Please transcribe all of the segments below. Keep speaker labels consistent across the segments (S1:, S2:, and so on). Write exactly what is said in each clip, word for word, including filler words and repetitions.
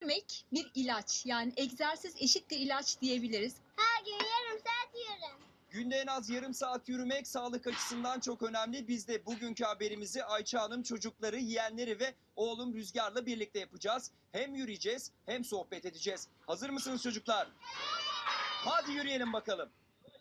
S1: Yürümek bir ilaç. Yani egzersiz eşittir ilaç diyebiliriz.
S2: Her gün yarım saat yürürüm.
S3: Günde en az yarım saat yürümek sağlık açısından çok önemli. Biz de bugünkü haberimizi Ayça Hanım çocukları, yeğenleri ve oğlum Rüzgar'la birlikte yapacağız. Hem yürüyeceğiz hem sohbet edeceğiz. Hazır mısınız çocuklar? Hadi yürüyelim bakalım.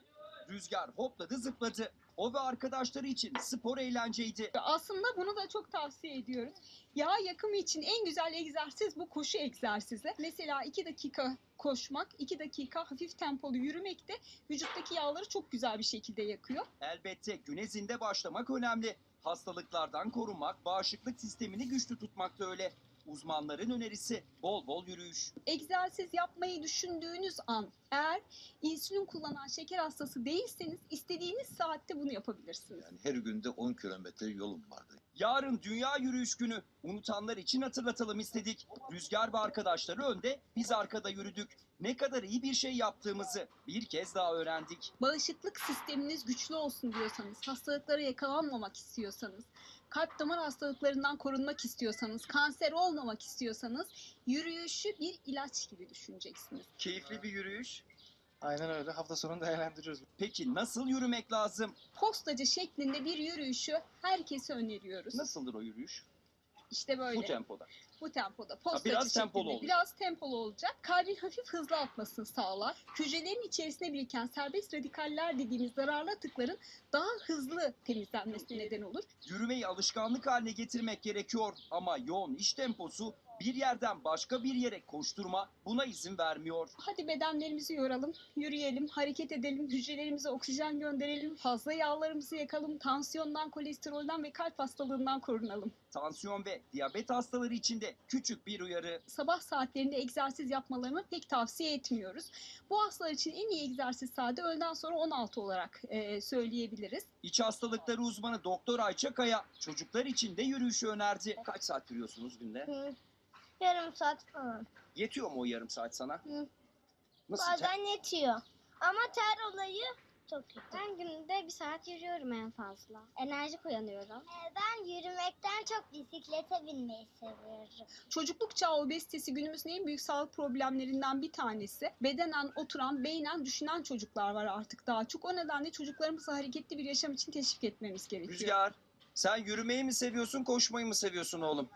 S3: Rüzgar hopladı zıpladı. O ve arkadaşları için spor eğlenceydi.
S1: Aslında bunu da çok tavsiye ediyoruz. Yağ yakımı için en güzel egzersiz bu koşu egzersizi. Mesela iki dakika koşmak, iki dakika hafif tempolu yürümek de vücuttaki yağları çok güzel bir şekilde yakıyor.
S3: Elbette güne zinde başlamak önemli. Hastalıklardan korunmak, bağışıklık sistemini güçlü tutmak da öyle. Uzmanların önerisi bol bol yürüyüş.
S1: Egzersiz yapmayı düşündüğünüz an eğer insülin kullanan şeker hastası değilseniz istediğiniz saatte bunu yapabilirsiniz.
S4: Yani her günde on kilometre yolum vardı.
S3: Yarın Dünya Yürüyüş Günü. Unutanlar için hatırlatalım istedik. Rüzgar ve arkadaşları önde, biz arkada yürüdük. Ne kadar iyi bir şey yaptığımızı bir kez daha öğrendik.
S1: Bağışıklık sisteminiz güçlü olsun diyorsanız, hastalıklara yakalanmamak istiyorsanız, kalp damar hastalıklarından korunmak istiyorsanız, kanser olmamak istiyorsanız yürüyüşü bir ilaç gibi düşüneceksiniz.
S3: Keyifli bir yürüyüş.
S5: Aynen öyle. Hafta sonunu değerlendiriyoruz.
S3: Peki nasıl yürümek lazım?
S1: Postacı şeklinde bir yürüyüşü herkese öneriyoruz.
S3: Nasıldır o yürüyüş?
S1: İşte böyle.
S3: Bu tempoda.
S1: Bu tempoda. Postacı
S3: biraz
S1: şeklinde.
S3: tempolu olacak.
S1: Biraz tempolu olacak. Kalbin hafif hızlı atmasını sağlar. Hücrelerin içerisine biriken serbest radikaller dediğimiz zararlı atıkların daha hızlı temizlenmesine neden olur.
S3: Yürümeyi alışkanlık haline getirmek gerekiyor ama yoğun iş temposu bir yerden başka bir yere koşturma buna izin vermiyor.
S1: Hadi bedenlerimizi yoralım, yürüyelim, hareket edelim, hücrelerimize oksijen gönderelim, fazla yağlarımızı yakalım, tansiyondan, kolesterolden ve kalp hastalığından korunalım.
S3: Tansiyon ve diyabet hastaları için de küçük bir uyarı.
S1: Sabah saatlerinde egzersiz yapmalarını pek tavsiye etmiyoruz. Bu hastalar için en iyi egzersiz saati öğleden sonra on altı olarak e, söyleyebiliriz.
S3: İç hastalıkları uzmanı Doktor Ayça Kaya çocuklar için de yürüyüşü önerdi. Kaç saat yürüyorsunuz günde?
S2: Hı. Yarım saat falan.
S3: Yetiyor mu o yarım saat sana?
S2: Hı.
S3: Nasıl?
S2: Bazen yetiyor. Ama ter olayı çok kötü. Ben günde bir saat yürüyorum en fazla. Enerjik uyanıyorum. Ben yürümekten çok bisiklete binmeyi seviyorum.
S1: Çocukluk çağı obezitesi günümüzün en büyük sağlık problemlerinden bir tanesi. Bedenen oturan, beynen düşünen çocuklar var artık daha çok. O nedenle çocuklarımızı hareketli bir yaşam için teşvik etmemiz gerekiyor.
S3: Rüzgar, sen yürümeyi mi seviyorsun, koşmayı mı seviyorsun oğlum?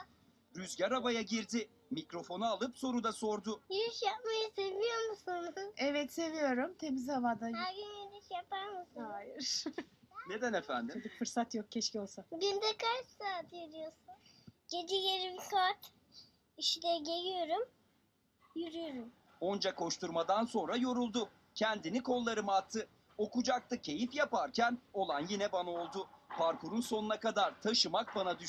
S3: Rüzgar havaya girdi. Mikrofonu alıp soru da sordu.
S2: Yürüyüş yapmayı seviyor musunuz?
S6: Evet seviyorum. Temiz havada.
S2: Her gün yürüyüş yapar mısınız?
S1: Hayır.
S3: Neden efendim?
S6: Fırsat yok, keşke olsa.
S2: Günde kaç saat yürüyorsun? Gece yarım saat işte geliyorum, yürüyorum.
S3: Onca koşturmadan sonra yoruldu. Kendini kollarıma attı. O kucakta keyif yaparken olan yine bana oldu. Parkurun sonuna kadar taşımak bana düştü.